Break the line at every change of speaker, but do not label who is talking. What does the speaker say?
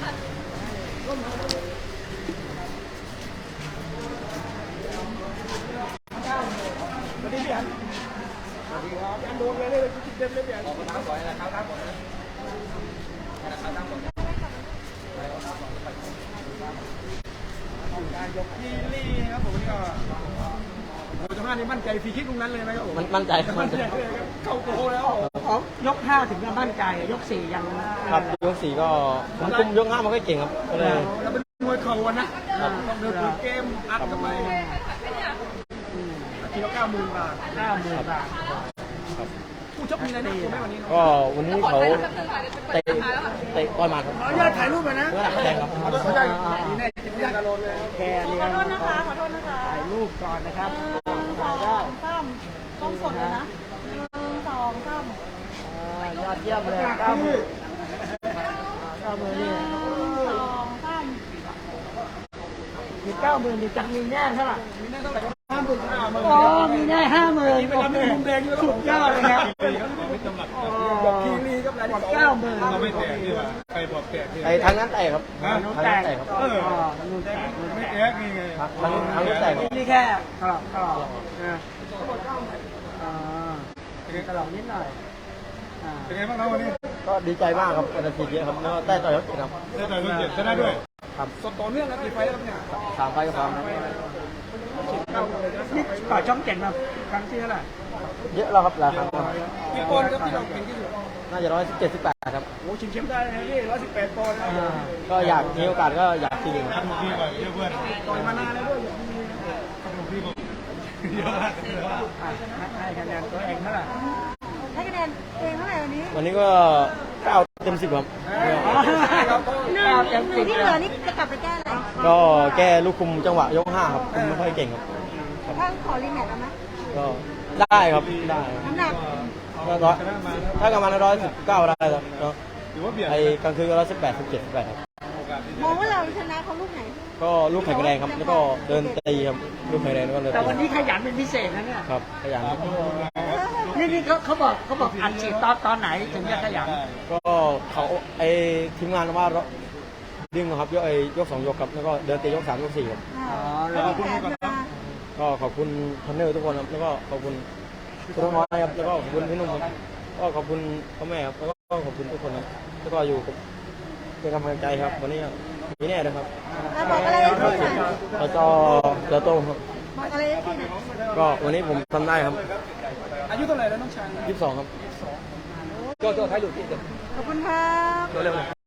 สวัสดีพี่อันสวัสดีครับอันโดนเลยคิดเต็มเลยพี่อันขอบคุณครับก่อนนะครับครับผมการยกที่ลี่ครับผมนี่ก็โอ้จังหวะนี้มั่นใจฟรีคิกตรงนั้นเลยไหมครับผม
มั่นใจครับ
เข้าโกแล้ว
ยก5ถึงจะมั่นใจยก4ยัง
ครับยก4ก็ผมคุมยก5มันก็เก่งครับก็เลย
แล้วเป็นมวยเข่าวันนะต้องเดินเกมอัดกันไปทีละ90,000 บาท
90,000 บาท
ผู้ชกมีอะไรนะคุณแม่วันนี้
ก็วันนี้เขาเตะต่อยมาครับ
ญาติถ่ายรูปไปนะ
แข่งครับ
เขาได้ดีแน่จิตวิทยาการโดนเลย
แค่นี้ขอโทษนะคะถ่ายรูปก่อนนะครับ
ต้องสดเลยนะ1 2 3
ยอดเยี่ยมเลย90,000นี่มี90,000มีจังมีแน่เท่าไหร่
มีแน่เท่าไหร่50,000
อ๋อมีแน่50,000
เป็นมุมแดง
สุดยอดเลยครับ
บอกคีรีครับราย
90,000
เราไม่แตกที่ว่าใครบอกแตกที่
ไอ้ทางนั้นแตกครับ
ทางนู้นแตก
ครับ
นู้นแตก
ไม่แตกนี่ไง
ทางนู้นแตก
นี่แค่ก็ตลอดนิดหน่อย
เป็นไงบ้างครับวันนี้
ก็ดีใจมากครับเป็นอาทิตย์เยอะครับแล้วได้ต่อยยก7ครับ
ได้ต่อยยก7ชนะด้วยครับสดต่อเนื่องนะกี่ไฟแล้วเนี่ย
3 ไฟก็พร้อม
นี่ต่อช่อง7มาครั้งที่เท่าไหร่
เยอะแล้วครับหลายครั้ง
กี่ปอนด์ครับที่เราเก่งที่สุด
น่าจะ117 18ครับ
โอ้ชิงแชมป์ได้นะนี่118 ปอนด์
ก็อยากมีโอกาสก็อยากชิง
ครับพี่ก่อนเพื่อนต่อยมานานแล้วด้วยพี่บอกเยอะมาก
ให้คะแนนตัวเองเท่าไหร่
ให้คะแนนตัวเองเท่าไหร่วันนี้
ก็9 เต็ม 10ครับ
1ที่เหลือนี่จะกลับไปแก้อะไร
ก็แก้ลูกคุมจังหวะยก5ครับคุมไม่ค่อยเก่งครับ
ถ้าขอรีแมตช์ได้ไหม
ก็ได้ครับได้
น้ำหนัก
ก็ถ้ากำลัง119ได้แล้วไอ้กลางคืนก็118 17 18ครับ
มองว่าเราชนะเขาลูกไหน
ก็ลูกไข่แดงครับแล้วก็เดินตีครับลูกไข่แดงก็เลย
แต่วันนี้ขยันเป็นพิเศษนะเนี่ย
ครับขยัน
นี่เขาบอกอัดฉีดตอนไหนถึงจะขยัน
ก็เขาไอ้ทีมงานว่าดึงครับยก2 ยกครับแล้วก็เดินตียก3 ยก4ครับก็ขอบคุณพันเนอร์ทุกคนครับแล้วก็ขอบคุณคุณน้อยครับแล้วก็ขอบคุณพี่นุ่มครับก็ขอบคุณพ่อแม่ครับแล้วก็ขอบคุณทุกคนครับแล้วก็อยู่เป็นกำลังใจครับวันนี้มีแน่เลยครับ
บอกอะไรที่ไหน
จะโตครับ
บอกอะไรที่ไหน
ก็วันนี้ผมทำได้ครับ
อายุเท่าไหร่แล้วน้องชาย
22ครับ
ก็ท้ายหลุดที่เดิม
ขอบคุณครับ
เร็วๆ